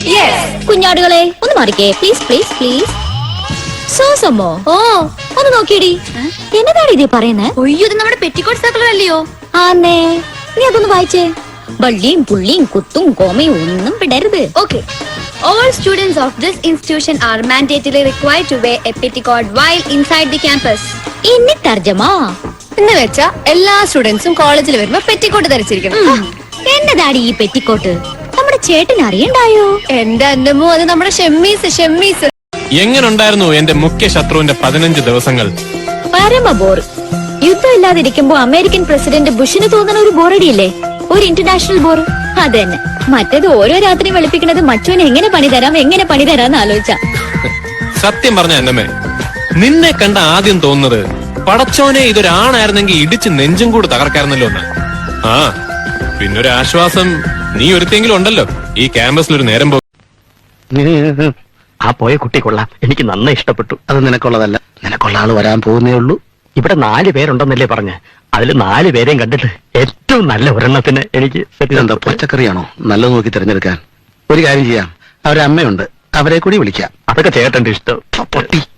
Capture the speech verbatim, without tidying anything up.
കുഞ്ഞാടുകളെ ഒന്ന് മാറിക്കേ please please please. സോസമ്മോ ഓ ഒന്ന് നോക്കിയടി, എന്നതാണ് ഇത് പറയുന്നേ? ഒയ്യോ, ഇത് നമ്മുടെ പെറ്റിക്കോട്ട് സർക്കുലർ അല്ലയോ? ആന്നേ, നീ അതൊന്ന് വായിച്ചേ. വള്ളിയും പുള്ളിയും കുത്തും കോമയും ഒന്നും വിടരുത്. Okay. All students of this institution are mandatorily required to wear a petticoat while inside the campus. ഇനി തർജമാ എന്ന് വെച്ചാ എല്ലാ സ്റ്റുഡൻസും കോളേജിൽ വരുമ്പോ പെറ്റിക്കോട്ട് ധരിച്ചിരിക്കണം. എന്നതാടി ഈ പെറ്റിക്കോട്ട്? നമ്മുടെ ചേട്ടൻ അറിയണ്ടായോ? എന്റെ അന്നമോ, അത് നമ്മുടെ ഷെമ്മീസ് ഷെമ്മീസ്. എങ്ങനുണ്ടായിരുന്നു എന്റെ മുഖ്യ ശത്രുവിന്റെ പതിനഞ്ച് ദിവസങ്ങൾ? പരമ ബോർ. യുദ്ധം ഇല്ലാതിരിക്കുമ്പോ അമേരിക്കൻ പ്രസിഡന്റ് ബുഷിന് തോന്നുന്ന ഒരു ബോറടിയില്ലേ, ഒരു ഇന്റർനാഷണൽ ബോർ. അത് തന്നെ. മറ്റേത് ഓരോ രാത്രി വെളുപ്പിക്കുന്നത് മറ്റവന് എങ്ങനെ പണി തരാം എങ്ങനെ പണി തരാന്ന് ആലോചിച്ച. സത്യം പറഞ്ഞ എന്നമ്മേ, നിന്നെ കണ്ട ആദ്യം തോന്നുന്നത് പടച്ചോനെ ഇതൊരാണായിരുന്നെങ്കിൽ ഇടിച്ച് നെഞ്ചും കൂടി തകർക്കായിരുന്നല്ലോ എന്ന്. ആ പിന്നൊരു ആശ്വാസം, നീ ഒരുത്തെങ്കിലും ഉണ്ടല്ലോ ഈ ക്യാമ്പസിൽ ഒരു നേരം പോ. ആ പോയ കുട്ടി കൊള്ളാം, എനിക്ക് നന്നായി ഇഷ്ടപ്പെട്ടു. അത് നിനക്കുള്ളതല്ല, നിനക്കുള്ള ആള് വരാൻ പോകുന്നേ ഉള്ളൂ. ഇവിടെ നാല് പേരുണ്ടെന്നല്ലേ പറഞ്ഞ്, അതിൽ നാല് പേരെയും കണ്ടിട്ട് ഏറ്റവും നല്ല ഒരെണ്ണത്തിന് എനിക്ക് എന്താ പച്ചക്കറിയാണോ നല്ലത് നോക്കി തിരഞ്ഞെടുക്കാൻ? ഒരു കാര്യം ചെയ്യാം, അവരെ അമ്മയുണ്ട്, അവരെ കൂടി വിളിക്കാം. അതൊക്കെ ചേട്ടന്റെ ഇഷ്ടം. പൊട്ടി